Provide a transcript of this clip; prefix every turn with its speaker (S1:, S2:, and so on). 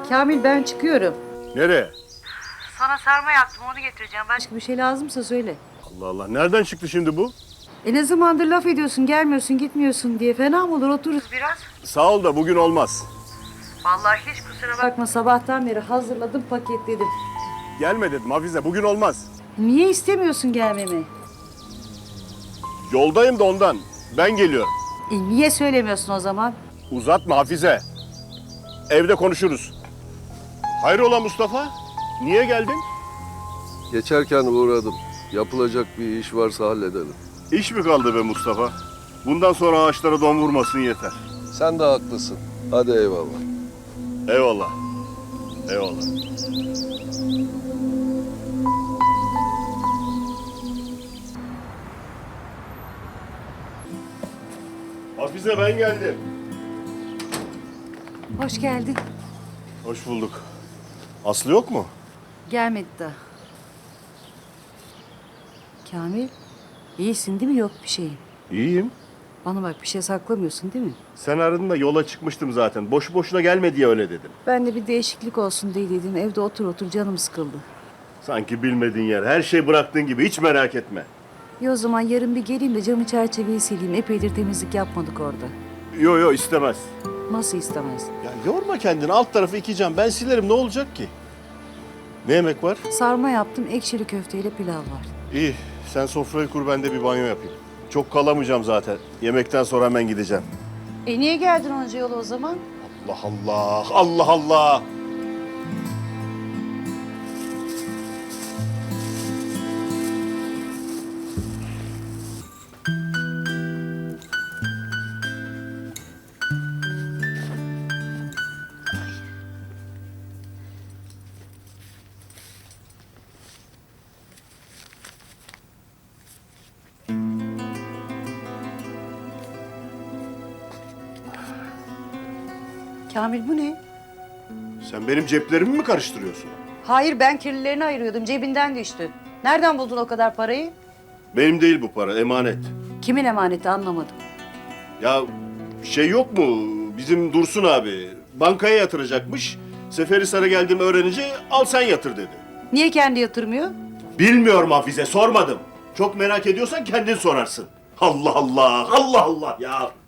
S1: Kamil ben çıkıyorum.
S2: Nereye?
S1: Sana sarma yaptım onu getireceğim. Başka bir şey lazımsa söyle.
S2: Allah Allah, nereden çıktı şimdi bu?
S1: Ne zamandır laf ediyorsun gelmiyorsun gitmiyorsun diye fena mı olur otururuz biraz.
S2: Sağ ol da bugün olmaz.
S1: Vallahi hiç kusura bakma sabahtan beri hazırladım paketledim.
S2: Gelme dedim Hafize, bugün olmaz.
S1: Niye istemiyorsun gelmemi?
S2: Yoldayım da ondan. Ben geliyorum.
S1: Niye söylemiyorsun o zaman?
S2: Uzatma Hafize. Evde konuşuruz. Hayrola Mustafa? Niye geldin?
S3: Geçerken uğradım. Yapılacak bir iş varsa halledelim.
S2: İş mi kaldı be Mustafa? Bundan sonra ağaçlara don vurmasın yeter.
S3: Sen de haklısın. Hadi eyvallah.
S2: Eyvallah. Eyvallah. Hafize ben geldim.
S1: Hoş geldin.
S2: Hoş bulduk. Aslı yok mu?
S1: Gelmedi daha. Kamil, iyisin değil mi? Yok bir şeyin.
S2: İyiyim.
S1: Bana bak bir şey saklamıyorsun değil mi?
S2: Sen aradın da yola çıkmıştım zaten. Boşu boşuna gelme diye öyle dedim.
S1: Ben de bir değişiklik olsun diye dedim. Evde otur otur canım sıkıldı.
S2: Sanki bilmediğin yer. Her şey bıraktığın gibi. Hiç merak etme.
S1: İyi o zaman yarın bir geleyim de camı çerçeveyi sileyim. Epeydir temizlik yapmadık orada.
S2: Yo istemez.
S1: Nasıl istemez?
S2: Ya yorma kendini. Alt tarafı 2 cam. Ben silerim. Ne olacak ki? Ne yemek var?
S1: Sarma yaptım, ekşili köfteyle pilav var.
S2: İyi. Sen sofrayı kur, ben de bir banyo yapayım. Çok kalamayacağım zaten. Yemekten sonra hemen gideceğim.
S1: Niye geldin onca yola o zaman?
S2: Allah Allah. Allah Allah.
S1: Kamil bu ne?
S2: Sen benim ceplerimi mi karıştırıyorsun?
S1: Hayır ben kirlilerini ayırıyordum. Cebinden düştü. Nereden buldun o kadar parayı?
S2: Benim değil bu para. Emanet.
S1: Kimin emaneti anlamadım.
S2: Ya şey yok mu? Bizim Dursun abi bankaya yatıracakmış. Seferihisar'a geldiğimi öğrenince al sen yatır dedi.
S1: Niye kendi yatırmıyor?
S2: Bilmiyorum Hafize, sormadım. Çok merak ediyorsan kendin sorarsın. Allah Allah, Allah Allah ya.